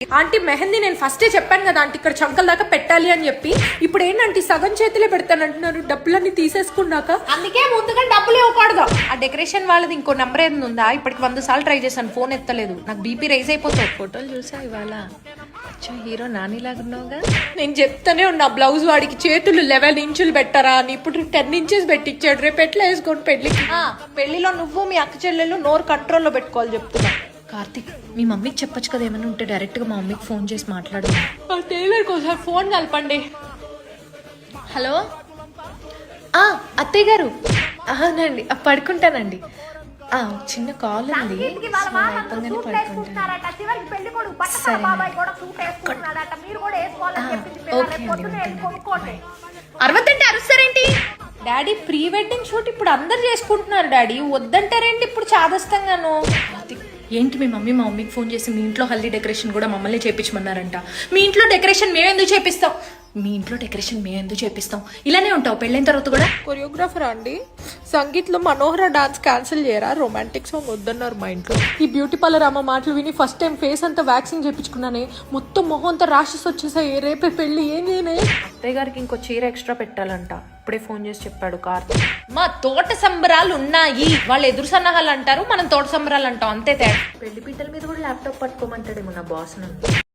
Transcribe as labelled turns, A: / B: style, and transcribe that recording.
A: Aunty mehndi నేను ఫస్టే చెప్పాను కదా ఆంటీ ఇక్కడ చంకల దాకా పెట్టాలి అని చెప్పి, ఇప్పుడు ఏంటంటే సగం చేతిలో పెడతానంటున్నారు డబ్బులన్నీ తీసేసుకున్నాక. అందుకే ముందుగా డబ్బులు ఇవ్వకూడదు. ఆ డెకరేషన్ వాళ్ళది ఇంకో నెంబర్ ఏది ఉందా? ఇప్పటికి 100 సార్లు ట్రై చేశాను, ఫోన్ ఎత్తలేదు. నాకు బీపీ రైజ్ అయిపోతుంది. ఫోటోలు చూసా ఇవాళ హీరో నానిలాగా ఉన్నావుగా. నేను చెప్తానే ఉన్నా బ్లౌజ్ వాడికి చేతులు 11 ఇంచులు పెట్టరా అని, ఇప్పుడు 10 ఇంచెస్ పెట్టించాడు. రేపు ఎట్లా వేసుకోండి పెళ్లికి. పెళ్లిలో నువ్వు మీ అక్క చెల్లెలు నోరు కంట్రోల్లో పెట్టుకోవాలి చెప్తున్నా. కార్తిక్ మీ మమ్మీకి చెప్పొచ్చు కదా, ఏమైనా ఉంటే డైరెక్ట్ గా మా మమ్మీకి ఫోన్ చేసి మాట్లాడు. టైలర్కి ఒకసారి ఫోన్ కలపండి. హలో అత్తయ్య గారు. అవునండి పడుకుంటానండి. చిన్న కాల్ ఉంది, అరవత్తంటే అరుస్తారేంటి? డాడీ ప్రీ వెడ్డింగ్ షూట్ ఇప్పుడు అందరు చేసుకుంటున్నారు డాడీ, వద్దంటారేంటి ఇప్పుడు చాదస్తంగాను? ఏంటి మీ మమ్మీకి ఫోన్ చేసి మీ ఇంట్లో హల్దీ డెకరేషన్ కూడా మమ్మల్ని చేపించమన్నారంట. మీ ఇంట్లో డెకరేషన్ మేమెందుకు చేపిస్తాం? ఇలానే ఉంటావు పెళ్ళైన తర్వాత కూడా. కొరియోగ్రాఫర్ అండి, సంగీత్లో మనోహర డాన్స్ క్యాన్సిల్ చేయరా? రొమాంటిక్ సాంగ్ వద్దన్నారు మా ఇంట్లో. ఈ బ్యూటీ పార్లర్ అమ్మ మాటలు విని ఫస్ట్ టైం ఫేస్ అంతా వ్యాక్సింగ్ చేయించుకున్నానే, మొత్తం మొహం అంతా ర్యాషెస్ వచ్చేసాయి. రేపే పెళ్లి, ఏం చేయనే? అత్తయ్య గారికి ఇంకో చీర ఎక్స్ట్రా పెట్టాలంట, ఇప్పుడే ఫోన్ చేసి చెప్పాడు కార్తీక్. మా తోట సంబరాలు ఉన్నాయి, వాళ్ళు ఎదురు సన్నాహాలు అంటారు, మనం తోట సంబరాలు అంటాం, అంతే తేడా. పెళ్లి పీటల మీద కూడా ల్యాప్టాప్ పట్టుకోమంటాడేమో నా బాస్ నన్ను.